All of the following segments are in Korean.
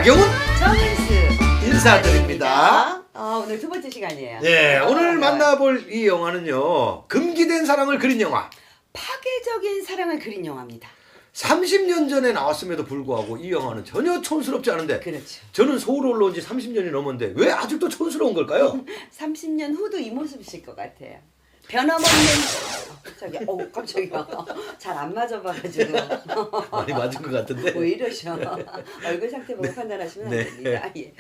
나경훈 정은수 인사드립니다. 오늘 두 번째 시간이에요. 네, 오늘 만나볼 이 영화는요, 금기된 사랑을 그린 영화. 파괴적인 사랑을 그린 영화입니다. 30년 전에 나왔음에도 불구하고 이 영화는 전혀 촌스럽지 않은데, 그렇죠. 저는 서울 올라온 지 30년이 넘었는데 왜 아직도 촌스러운 걸까요? 30년 후도 이 모습이실 것 같아요. 변함없는 깜짝이야. 깜짝이야. 잘 안 맞아봐가지고 많이 맞은 것 같은데. 왜 이러셔? 얼굴 상태 보고 판단하시면 안 됩니다. 예.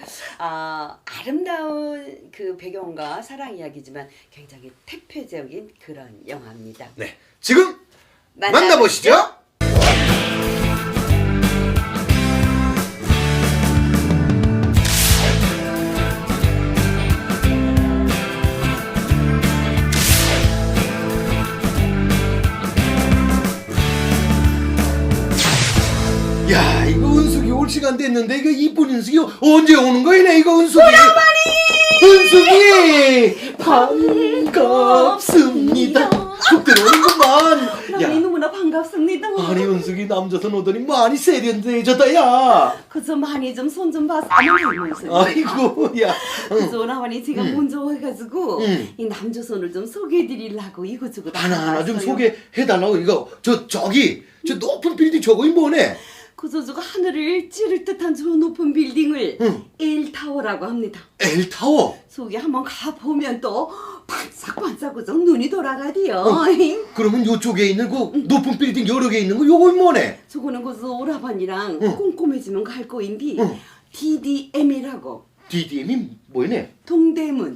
아름다운 그 배경과 사랑 이야기지만 굉장히 태폐적인 그런 영화입니다. 네, 지금 만나보시죠. 야, 이거 은숙이 올 시간 됐는데 이거 이쁜 은숙이 언제 오는 거이네 이거 은숙이. 은숙이 반갑습니다. 속 들어오는구만. 너무 너무나 반갑습니다. 아니 은숙이 남자선 오더니 많이 세련돼졌다 야. 그저 많이 좀 손 좀 봐서 아이고 아이고 야. 그저 나만이 제가 먼저 해가지고 이 남조선을 좀 소개해드리려고 이것저것 하나하나 좀 소개해달라고. 이거 저기 저 높은 빌딩 저거이 뭐네. 그저 저거 하늘을 찌를 듯한 저 높은 빌딩을 엘타워라고 합니다. 엘타워? 속에 한번 가보면 또 반짝반짝 그저 눈이 돌아가디요. 그러면 요쪽에 있는 그 높은 빌딩 여러 개 있는 거 요건 뭐네? 저거는 그저 오라반이랑 꼼꼼해지면 갈 거인데 DDM이라고. DDM이 뭐네? 동대문.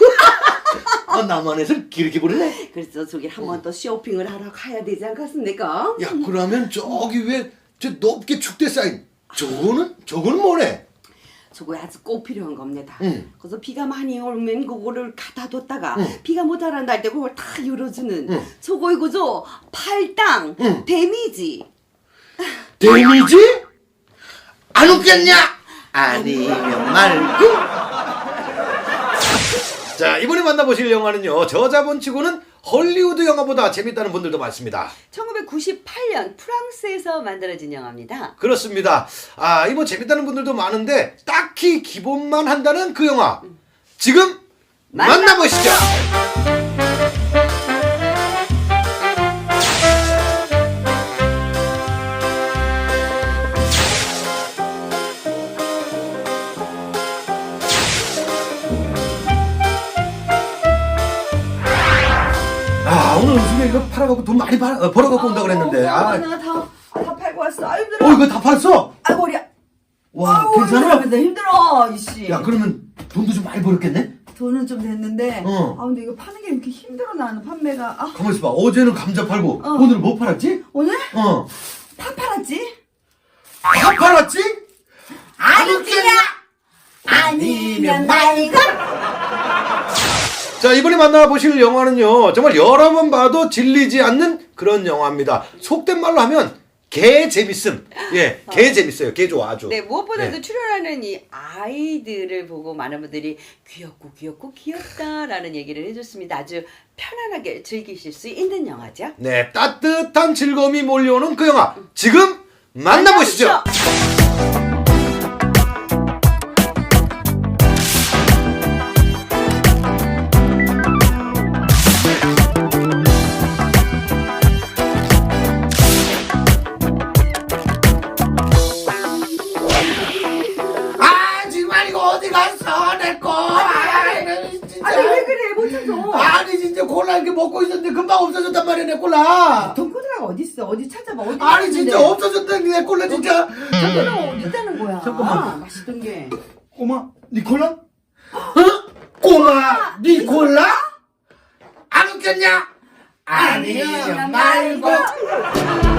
남한에서 길게 부르네? 그래서 저기 한번 또 쇼핑을 하러 가야 되지 않겠습니까? 야, 그러면 저기 왜 저 높게 축대 쌓인 저거는 뭐네? 저거 아주 꼭 필요한 겁니다. 그래서 비가 많이 오면 그거를 갖다 뒀다가 비가 모자란다 할 때 그걸 다 열어주는 저거 이거죠? 팔당 데미지. 데미지? 안 웃겠냐? 아니면 말고. 자, 이번에 만나보실 영화는요, 저자본치고는 헐리우드 영화보다 재밌다는 분들도 많습니다. 1998년 프랑스에서 만들어진 영화입니다. 그렇습니다. 이거 재밌다는 분들도 많은데 딱히 기본만 한다는 그 영화. 지금 만나보시죠. 오늘 은숙이 이거 팔아갖고 돈 많이 벌어갖고 온다 그랬는데. 나 다 팔고 왔어. 아 힘들어. 이거 다 팔았어? 아 머리야. 와, 괜찮아? 힘들어 이씨. 야, 그러면 돈도 좀 많이 벌었겠네? 돈은 좀 됐는데 어. 근데 이거 파는 게 이렇게 힘들어 나는 판매가. 가만 있어봐. 어제는 감자 팔고 오늘은 뭐 팔았지? 오늘 어. 파 팔았지? 다 팔았지? 안 웃기냐? 아니면 말고. 자, 이번에 만나보실 영화는요, 정말 여러 번 봐도 질리지 않는 그런 영화입니다. 속된 말로 하면 개 재밌음. 예, 개 재밌어요. 개 좋아 아주. 네, 무엇보다도 네. 출연하는 이 아이들을 보고 많은 분들이 귀엽고 귀엽다라는 얘기를 해줬습니다. 아주 편안하게 즐기실 수 있는 영화죠. 네, 따뜻한 즐거움이 몰려오는 그 영화. 지금 만나보시죠. 정말 이거 어디 갔어 내 거? 진짜. 아니 왜 그래 못 찾아. 아니 진짜 콜라 이렇게 먹고 있었는데 금방 없어졌단 말이야 내 콜라. 돈코드라가 어디 있어? 어디 찾아봐. 어디 아니 있는데. 진짜 없어졌다 내 콜라 진짜. 돈코드가 어디 있다는 거야? 잠깐만. 맛있던 게. 꼬마 니콜라? 어? 꼬마 니콜라? 안 웃겼냐? 아니면 말고.